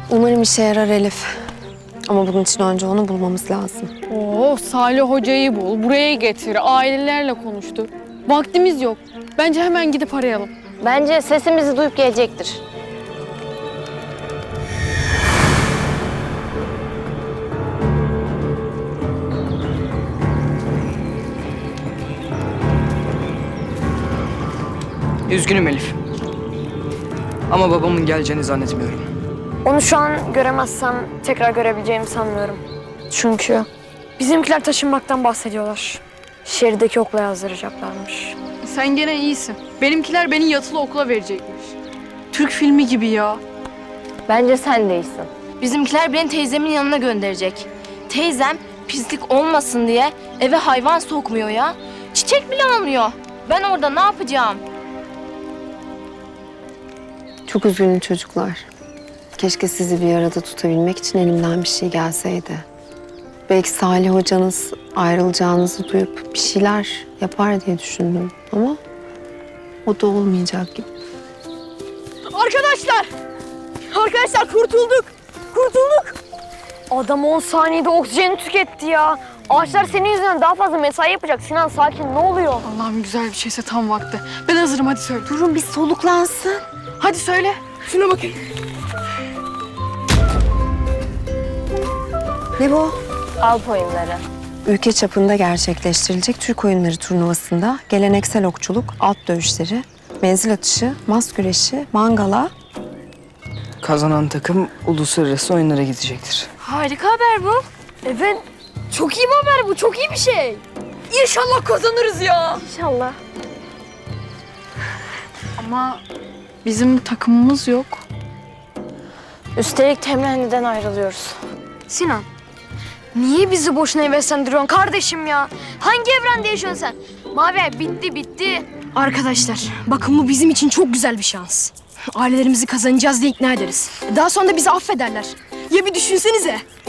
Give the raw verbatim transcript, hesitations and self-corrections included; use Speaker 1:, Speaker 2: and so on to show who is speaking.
Speaker 1: Umarım işe yarar Elif. Ama bunun için önce onu bulmamız lazım.
Speaker 2: Oo, Salih Hoca'yı bul, buraya getir, ailelerle konuştu. Vaktimiz yok. Bence hemen gidip arayalım.
Speaker 3: Bence sesimizi duyup gelecektir.
Speaker 4: Üzgünüm Elif. Ama babamın geleceğini zannetmiyorum.
Speaker 5: Onu şu an göremezsem tekrar görebileceğimi sanmıyorum. Çünkü bizimkiler taşınmaktan bahsediyorlar. Şehirdeki okula yazdıracaklarmış.
Speaker 2: Sen gene iyisin. Benimkiler beni yatılı okula verecekmiş. Türk filmi gibi ya.
Speaker 3: Bence sen değilsin. Bizimkiler beni teyzemin yanına gönderecek. Teyzem pislik olmasın diye eve hayvan sokmuyor ya. Çiçek bile almıyor. Ben orada ne yapacağım?
Speaker 1: Çok üzgünüm çocuklar. Keşke sizi bir arada tutabilmek için elimden bir şey gelseydi. Belki Salih hocanız ayrılacağınızı duyup bir şeyler yapar diye düşündüm. Ama o da olmayacak gibi.
Speaker 5: Arkadaşlar! Arkadaşlar kurtulduk! Kurtulduk! Adam on saniyede oksijeni tüketti ya. Ağaçlar senin yüzünden daha fazla mesai yapacak. Sinan sakin, ne oluyor?
Speaker 2: Allah'ım güzel bir şeyse tam vakti. Ben hazırım, hadi söyle.
Speaker 1: Durun bir soluklansın.
Speaker 2: Hadi söyle. Şuna bakayım.
Speaker 1: Ne bu?
Speaker 3: Alp oyunları.
Speaker 1: Ülke çapında gerçekleştirilecek Türk oyunları turnuvasında geleneksel okçuluk, at dövüşleri, menzil atışı, mas güreşi, mangala.
Speaker 4: Kazanan takım uluslararası oyunlara gidecektir.
Speaker 3: Harika haber bu.
Speaker 5: Evet, çok iyi bir haber bu, çok iyi bir şey. İnşallah kazanırız ya.
Speaker 3: İnşallah.
Speaker 2: Ama bizim takımımız yok.
Speaker 3: Üstelik temrenliden ayrılıyoruz.
Speaker 5: Sinan, niye bizi boşuna heveslendiriyorsun kardeşim ya? Hangi evrende yaşıyorsun sen? Mavi bitti bitti.
Speaker 6: Arkadaşlar, bakın bu bizim için çok güzel bir şans. Ailelerimizi kazanacağız diye ikna ederiz. Daha sonra da bizi affederler. Ya bir düşünsenize.